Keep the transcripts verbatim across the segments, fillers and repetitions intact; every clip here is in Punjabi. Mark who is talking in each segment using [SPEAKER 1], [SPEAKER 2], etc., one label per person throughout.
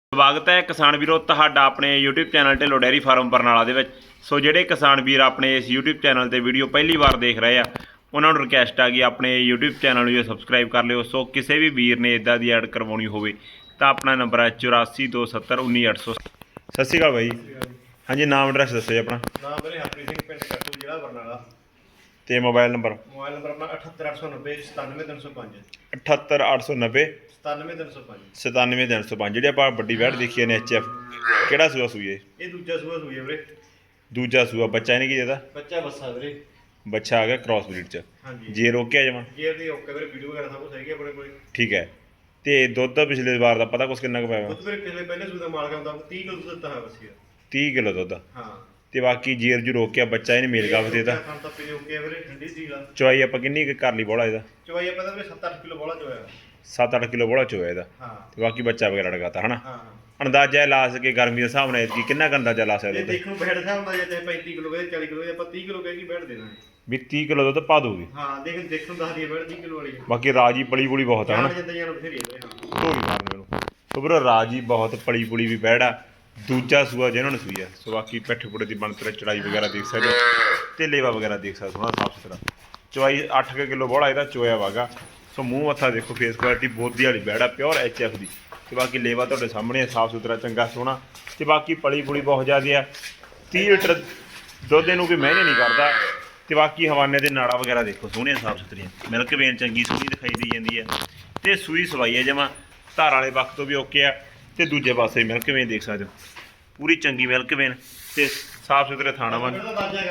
[SPEAKER 1] ਸਵਾਗਤ ਹੈ ਕਿਸਾਨ ਵੀਰੋ ਤੁਹਾਡਾ ਆਪਣੇ YouTube channel Dhillon dairy farm Barnala ਦੇ ਵਿੱਚ। ਸੋ ਜਿਹੜੇ ਕਿਸਾਨ ਵੀਰ ਆਪਣੇ ਇਸ YouTube ਚੈਨਲ ਤੇ ਵੀਡੀਓ ਪਹਿਲੀ ਵਾਰ ਦੇਖ ਰਹੇ ਆ ਉਹਨਾਂ ਨੂੰ ਰਿਕਵੈਸਟ ਆ ਗਈ ਆਪਣੇ YouTube ਚੈਨਲ ਨੂੰ ਸਬਸਕ੍ਰਾਈਬ ਕਰ ਲਿਓ। ਸੋ ਕਿਸੇ ਵੀ ਵੀਰ ਨੇ ਇਦਾਂ ਦੀ ਐਡ ਕਰਵਾਉਣੀ ਹੋਵੇ ਤਾਂ ਆਪਣਾ ਨੰਬਰ ਹੈ ਚੁਰਾਸੀ ਦੋ ਸੱਤਰ ਉੱਨੀ ਅੱਠ ਸੌ। ਸਤਿ ਸ਼੍ਰੀ ਅਕਾਲ ਬਾਈ। ਹਾਂਜੀ, ਨਾਮ ਐਡਰੈਸ ਦੱਸੋ ਜੀ ਆਪਣਾ।
[SPEAKER 2] ਨਾਮ ਵੀਰੇ ਹਰਪ੍ਰੀਤ ਸਿੰਘ, ਪਿੰਡ ਕੱਟੂ, ਜ਼ਿਲ੍ਹਾ ਬਰਨਾਲਾ।
[SPEAKER 1] ਤੇ ਮੋਬਾਈਲ ਨੰਬਰ
[SPEAKER 2] ਮੋਬਾਈਲ ਨੰਬਰ ਆਪਣਾ ਅਠੱਤਰ ਅੱਠ ਸੌ ਨੱਬੇ ਸਤਾਨਵੇਂ ਤਿੰਨ ਸੌ ਪੰਜ
[SPEAKER 1] ਅਠੱਤਰ ਅੱਠ ਸੌ ਨੱਬੇ
[SPEAKER 2] ਸਤਾਨਵੇਂ ਤਿੰਨ ਸੌ ਪੰਜ
[SPEAKER 1] ਸਤਾਨਵੇਂ ਤਿੰਨ ਸੌ ਪੰਜ। ਜਿਹੜੀ ਆਪਾਂ ਵੱਡੀ ਵੈਟ ਦੇਖੀ ਨੇ ਐਚ ਐਫ, ਕਿਹੜਾ ਸੂਆ ਸੂਈ ਹੈ?
[SPEAKER 2] ਇਹ ਦੂਜਾ ਸੂਆ ਸੂਈ ਹੈ ਵੀਰੇ।
[SPEAKER 1] ਦੂਜਾ ਸੂਆ। ਬੱਚਾ ਇਹਨੇ ਕੀ ਦੇਦਾ?
[SPEAKER 2] ਬੱਚਾ ਬੱਸਾ ਵੀਰੇ।
[SPEAKER 1] ਬੱਚਾ ਆ ਗਿਆ ਕ੍ਰਾਸ ਬਰੀਡ ਚ।
[SPEAKER 2] ਹਾਂਜੀ
[SPEAKER 1] ਜੇ ਰੋਕਿਆ ਜਮਾ
[SPEAKER 2] ਗੇਅਰ ਦੀ ਓਕੇ ਵੀਰੇ, ਵੀਡੀਓ ਵਗੈਰਾ ਸਭ ਕੁਝ ਹੈਗੀ ਆਪਣੇ ਕੋਲ।
[SPEAKER 1] ਠੀਕ ਹੈ। ਤੇ ਦੁੱਧ ਪਿਛਲੇ ਵਾਰ ਦਾ ਪਤਾ ਕੁਛ ਕਿੰਨਾ ਕੁ ਪਿਆ?
[SPEAKER 2] ਦੁੱਧ ਵੀਰੇ ਪਿਛਲੇ ਪਹਿਲੇ ਸੂਏ ਦਾ ਮਾਲਕ ਹੁੰਦਾ ਤੀਹ ਕਿਲੋ ਦੁੱਧ ਦਿੱਤਾ ਹੈ ਬੱਸੀ ਦਾ।
[SPEAKER 1] ਤੀਹ ਕਿਲੋ ਦੁੱਧ।
[SPEAKER 2] ਹਾਂ
[SPEAKER 1] ਤੇ ਬਾਕੀ ਜੀਰ ਜੂ ਰੋਕਿਆ ਬੱਚਾ ਇਹਨੇ ਮੇਲ ਗਾਫ ਦੇਤਾ।
[SPEAKER 2] ਖਾਣ ਤਾਂ ਪੀਣੇ ਓਕੇ ਵੀਰੇ, ਠੰਡੀ ਸੀ ਲਾ।
[SPEAKER 1] ਚਵਾਈ ਆਪਾਂ ਕਿੰਨੀ ਕੁ ਕਰ ਲਈ ਬੋਲਾ ਇਹਦਾ?
[SPEAKER 2] ਚਵਾਈ ਆਪਾਂ ਤਾਂ ਵੀਰੇ ਸੱਤ ਅੱਠ ਕਿਲੋ ਬੋਲਾ ਚੋਇਆ।
[SPEAKER 1] ਸੱਤ ਅੱਠ ਕਿਲੋ ਬੋਲਾ ਚੋਇਆ ਇਹਦਾ।
[SPEAKER 2] ਹਾਂ
[SPEAKER 1] ਤੇ ਬਾਕੀ ਬੱਚਾ ਵਗੈਰਾ ਲਗਾਤਾ ਹਨਾ।
[SPEAKER 2] ਹਾਂ
[SPEAKER 1] ਅੰਦਾਜ਼ਾ ਲਾ ਸਕੇ ਗਰਮੀ ਦੇ ਹਿਸਾਬ ਨਾਲ ਕੀ ਕਿੰਨਾ ਕੁ ਅੰਦਾਜ਼ਾ ਲਾ ਸਕਦੇ
[SPEAKER 2] ਇਹ
[SPEAKER 1] ਤੇ?
[SPEAKER 2] ਦੇਖੋ ਬੈਠ ਹਿਸਾਬ ਨਾਲ ਜੇ ਪੈਂਤੀ ਕਿਲੋ ਕਹੇ ਚਾਲੀ ਕਿਲੋ ਆਪਾਂ ਤੀਹ ਕਿਲੋ ਕਹਿ ਕੇ ਬੈਠ ਦੇਣਾ।
[SPEAKER 1] ਵੀ ਤੀਹ ਕਿਲੋ ਦੁੱਧ ਪਾ ਦੂਗੀ।
[SPEAKER 2] ਹਾਂ ਦੇਖ ਦੇਖਣ ਦੱਸ ਦੀ ਬੈਠ ਤੀਹ ਕਿਲੋ ਵਾਲੀ।
[SPEAKER 1] ਬਾਕੀ ਰਾਜੀ ਪਲੀ ਪੁਲੀ ਬਹੁਤ ਆ ਹਨਾ।
[SPEAKER 2] ਜਿੱਦਾਂ ਜਾਨ ਬਥੇਰੀ ਹੈ ਹਾਂ।
[SPEAKER 1] ਢੋਲੀ ਮਾਰਨ ਮੈਨੂੰ ਸੋ ਵੀਰੋ ਰਾਜੀ ਬਹੁਤ ਪਲੀ ਪੁਲੀ ਵੀ ਬੈੜਾ। ਦੂਜਾ ਸੂਆ ਜਿਹਨਾਂ ਨੂੰ ਸੂਈ ਆ। ਸੋ ਬਾਕੀ ਪਿੱਠ ਪੁੜੇ ਦੀ ਬਣਤਰ ਚੜਾਈ ਵਗੈਰਾ ਦੇਖ ਸਕਦੇ ਹੋ ਤੇ ਲੇਵਾ ਵਗੈਰਾ ਦੇਖ ਸਕਦੇ ਸੋਹਣਾ ਸਾਫ ਸੁਥਰਾ। ਚਵਾਈ ਅੱਠ ਕਿਲੋ ਬੋਲਾ ਇਹਦਾ ਚੋਇਆ ਵਾਗਾ। ਸੋ ਮੂੰਹ ਮੱਥਾ ਦੇਖੋ, ਫੇਸ ਕੁਆਲਿਟੀ ਬੋਦੀ ਵਾਲੀ ਬੈੜਾ, ਪਿਓਰ ਐਚ ਐਫ ਦੀ। ਤੇ ਬਾਕੀ ਲੇਵਾ ਤੁਹਾਡੇ ਸਾਹਮਣੇ ਸਾਫ ਸੁਥਰਾ ਚੰਗਾ ਸੋਹਣਾ। ਤੇ ਬਾਕੀ ਪਲੀ ਪੁਲੀ ਬਹੁਤ ਜ਼ਿਆਦਾ ਆ। ਤੀਹ ਲੀਟਰ ਦੁੱਧ ਇਹਨੂੰ ਕੋਈ ਮਹਿੰਗੇ ਨਹੀਂ ਕਰਦਾ। ਤੇ ਬਾਕੀ ਹਵਾਨੇ ਦੇ ਨਾੜਾ ਵਗੈਰਾ ਦੇਖੋ ਸੋਹਣੀਆਂ ਸਾਫ ਸੁਥਰੀਆਂ। ਮਿਲਕ ਵੇਨ ਚੰਗੀ ਸੋਹਣੀ ਦਿਖਾਈ ਦੀ ਜਾਂਦੀ ਹੈ। ਤੇ ਸੂਈ ਸਵਾਈ ਹੈ ਜਮਾ ਧਾਰ ਵਾਲੇ ਵਕਤ ਤੋਂ ਵੀ ਓਕੇ ਆ। ਤੇ ਦੂਜੇ ਪਾਸੇ ਮਿਲਕ ਵੇਨ ਦੇਖ ਸਕਦੇ ਹੋ, ਪੂਰੀ ਚੰਗੀ ਮਿਲਕ ਵੇਨ ਤੇ ਸਾਫ ਸੁਥਰੇ ਥਾਣਾ ਵਾ।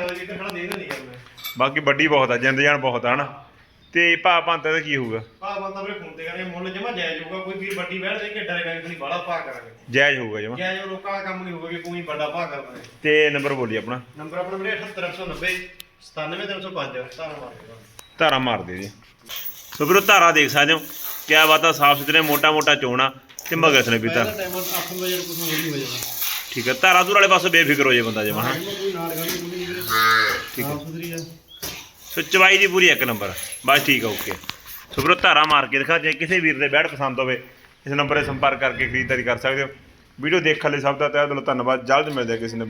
[SPEAKER 1] ਬਾਕੀ ਵੱਡੀ ਬਹੁਤ ਆ, ਜਿੰਦ ਜਾਨ ਬਹੁਤ ਆ ਹਨਾ। ਤੇ ਭਾਅ ਭਾਂਤਾ ਦਾ ਕੀ ਹੋਊਗਾ?
[SPEAKER 2] ਭਾਅ ਬੰਦਾ ਵੀਰੇ ਫੋਨ ਤੇ ਕਰੇ, ਮੁੱਲ ਜਮਾ ਜਾਇਜ਼ ਹੋਊਗਾ। ਕੋਈ ਵੀਰ ਵੱਡੀ ਬੈਠ ਦੇ ਕੇ ਡਰੇ ਬੈਂਕ ਨਹੀਂ ਬਾਹਲਾ ਭਾਅ ਕਰਾਂਗੇ।
[SPEAKER 1] ਜਾਇਜ਼ ਹੋਊਗਾ ਜਮਾ।
[SPEAKER 2] ਜਾਇਜ਼ ਲੋਕਾਂ ਦਾ ਕੰਮ ਨਹੀਂ ਹੋਊਗਾ ਕਿ ਕੋਈ ਵੱਡਾ ਭਾਅ ਕਰਦਾ ਹੈ।
[SPEAKER 1] ਤੇ ਨੰਬਰ ਬੋਲੀ ਆਪਣਾ।
[SPEAKER 2] ਨੰਬਰ ਆਪਣਾ ਵੀਰੇ ਅਠੱਤਰ ਅੱਠ ਸੌ ਨੱਬੇ ਸਤਾਨਵੇਂ ਤਿੰਨ ਸੌ ਪੰਜ। ਧਾਰਾ ਮਾਰ
[SPEAKER 1] ਧਾਰਾ ਮਾਰ ਦੇ ਜੀ। ਸੋ ਵੀਰੋ ਧਾਰਾ ਦੇਖ ਸਕਦੇ ਹੋ, ਕਿਆ ਬਾਤ ਆ, ਸਾਫ ਸੁਥਰੇ ਮੋਟਾ ਮੋਟਾ ਚੋਣਾ ਤੇ ਮਗਸ ਨੇ ਪੀਤਾ। ਠੀਕ ਹੈ। ਧਾਰਾ ਧੂਰ ਵਾਲੇ ਪਾਸੇ ਬੇਫਿਕਰ ਹੋ ਜੇ ਬੰਦਾ ਜਮਾ। ਠੀਕ ਹੈ। ਸੋ ਚਵਾਈ ਦੀ ਪੂਰੀ ਇੱਕ ਨੰਬਰ ਬਸ। ਠੀਕ ਹੈ, ਓਕੇ। ਸੋ ਵੀਰੋ ਧਾਰਾ ਮਾਰ ਕੇ ਦਿਖਾ। ਜੇ ਕਿਸੇ ਵੀਰ ਦੇ ਬੈਠ ਪਸੰਦ ਹੋਵੇ ਇਸ ਨੰਬਰ 'ਤੇ ਸੰਪਰਕ ਕਰਕੇ ਖਰੀਦਦਾਰੀ ਕਰ ਸਕਦੇ ਹੋ। ਵੀਡੀਓ ਦੇਖਣ ਲਈ ਸਭ ਦਾ ਤਹਿ ਦਿਲੋਂ ਧੰਨਵਾਦ। ਜਲਦ ਮਿਲਦੇ ਕਿਸੇ ਨੇ